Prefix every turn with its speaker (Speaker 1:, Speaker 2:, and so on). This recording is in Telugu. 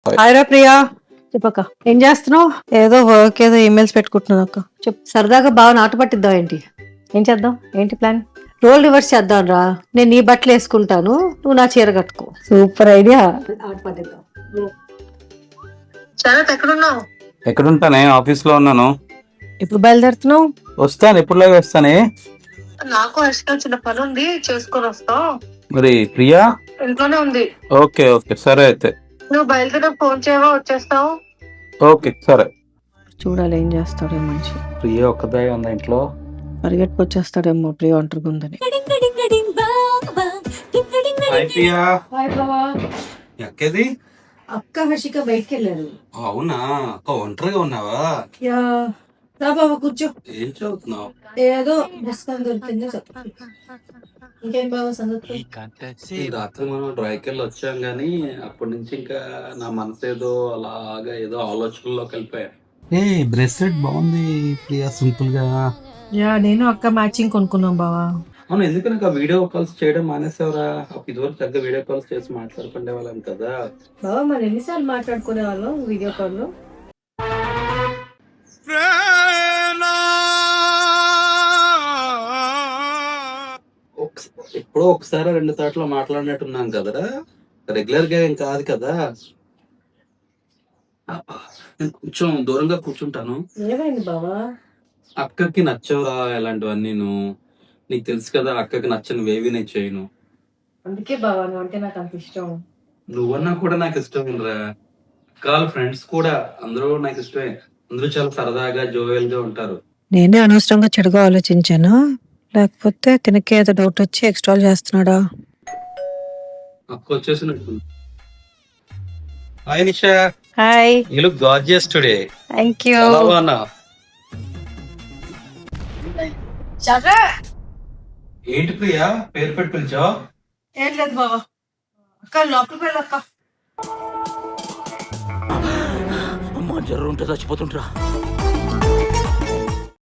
Speaker 1: హాయ్రా ప్రియా. చెప్పక్క ఏం చేస్తున్నావు? ఏదో వర్క్, ఏదో ఈమెయిల్స్ పెట్టుకుంటున్నాను అక్క. చెప్పు. సరదాగా బాగా నాటు పట్టిద్దాం ఏంటి? ఏం చేద్దాం? ఏంటి ప్లాన్? రోల్ రివర్స్ చేద్దాం రా. నేను నీ బట్టలు వేసుకుంటాను, నువ్వు నా చీర కట్టుకో. Super idea. ఆట పట్టిద్దాం. సరే, ఎక్కడున్నావు?
Speaker 2: ఎక్కడుంటానే? ఆఫీస్ లో ఉన్నాను.
Speaker 1: ఇప్పుడు బయలుదేరుతున్నావు?
Speaker 2: వస్తాను, ఎప్పుడులాగా వస్తానే.
Speaker 1: నాకు ఎక్స్ట్రా చిన్న పని ఉంది, చేసుకొని వస్తావు.
Speaker 2: మరి ప్రియా
Speaker 1: ఇంట్లోనే ఉంది.
Speaker 2: ఓకే ఓకే సరే అయితే.
Speaker 1: నువ్వు బయలుదేరి ఫోన్ చేయవా, వచ్చేస్తావు.
Speaker 2: ఓకే సరే.
Speaker 1: చూడాలి ఏం చేస్తాడో మనిషి.
Speaker 2: ప్రియా ఒక్కదే ఉందా ఇంట్లో?
Speaker 1: పరిగెట్టుకు వచ్చేస్తాడేమో ప్రియ ఒంటరిగుందని.
Speaker 2: హాయ్ ప్రియా.
Speaker 1: హాయ్ బావా.
Speaker 2: ఎక్కది?
Speaker 1: అక్క హర్షిక బయటికి వెళ్ళారు.
Speaker 2: అవునా, ఒంటరిగా ఉన్నావా?
Speaker 1: యా. రా బాబా కూర్చో.
Speaker 2: ఏం చదువుతున్నావు?
Speaker 1: ఏదో పుస్తకం దొరికిందో చెప్పు. ఇంకేం బాబా సంగతి?
Speaker 2: ఈ రాత్రి మనం డ్రైవ్కి వెళ్ళి వచ్చాం గానీ అప్పటి నుంచి ఇంకా నా మనసు ఏదో అలాగా ఏదో ఆలోచనలోకి వెళ్ళిపోయా. ఏ బ్రెస్లెట్ బాగుంది ప్రియా, సింపుల్ గా.
Speaker 1: యా, నేను అక్క మ్యాచింగ్ కొనుక్కున్నాం బావా.
Speaker 2: అవును, ఎందుకు నాకు ఆ వీడియో కాల్స్ చేయడం మానేసావరా? ఇదివరకు తగ్గ వీడియో కాల్స్ చేసి మాట్లాడుకునే వాళ్ళం కదా.
Speaker 1: బావా మరి ఎన్నిసార్లు మాట్లాడుకునే వాళ్ళం వీడియో కాల్ లో?
Speaker 2: ఎప్పుడో ఒకసారి రెండు తాట్లో మాట్లాడినట్టున్నాం కదరా, రెగ్యులర్ గా ఏం కాదు కదా. నేను కొంచెం దూరంగా కూర్చుంటాను.
Speaker 1: ఏమైంది బావా?
Speaker 2: అక్కకి నచ్చవురా ఇలాంటివన్నీ. నీకు తెలుసు కదా, అక్కకి నచ్చనివేవి నేను చేయను.
Speaker 1: అందుకే బావా నువ్వు అంటే నాకు అంత ఇష్టం.
Speaker 2: నువ్వన్నా కూడా నాకు ఇష్టం రా. కాల్ ఫ్రెండ్స్ కూడా అందరూ నాకు ఇష్టమే. అందరూ చాలా సరదాగా జోవెల్ గా ఉంటారు.
Speaker 1: నేనే అనవసరంగా చెడుగా ఆలోచించాను, లేకపోతే తినకే ఏదో డౌట్ వచ్చి ఎక్స్ట్రాల్ చేస్తున్నాడా?
Speaker 2: అక్క వచ్చేసినట్టు. Hi Nisha.
Speaker 1: Hi.
Speaker 2: You look gorgeous today.
Speaker 1: Thank you.
Speaker 2: చాలా బాగున్నా. ఏంటి ప్రియా పేరు పెట్టి పిలిచావు?
Speaker 1: ఏం లేదు బావా, అక్క లోపలికి వెళ్ళక్క.
Speaker 3: అమ్మ జర్ర ఉంటే చచ్చిపోతుంటరా.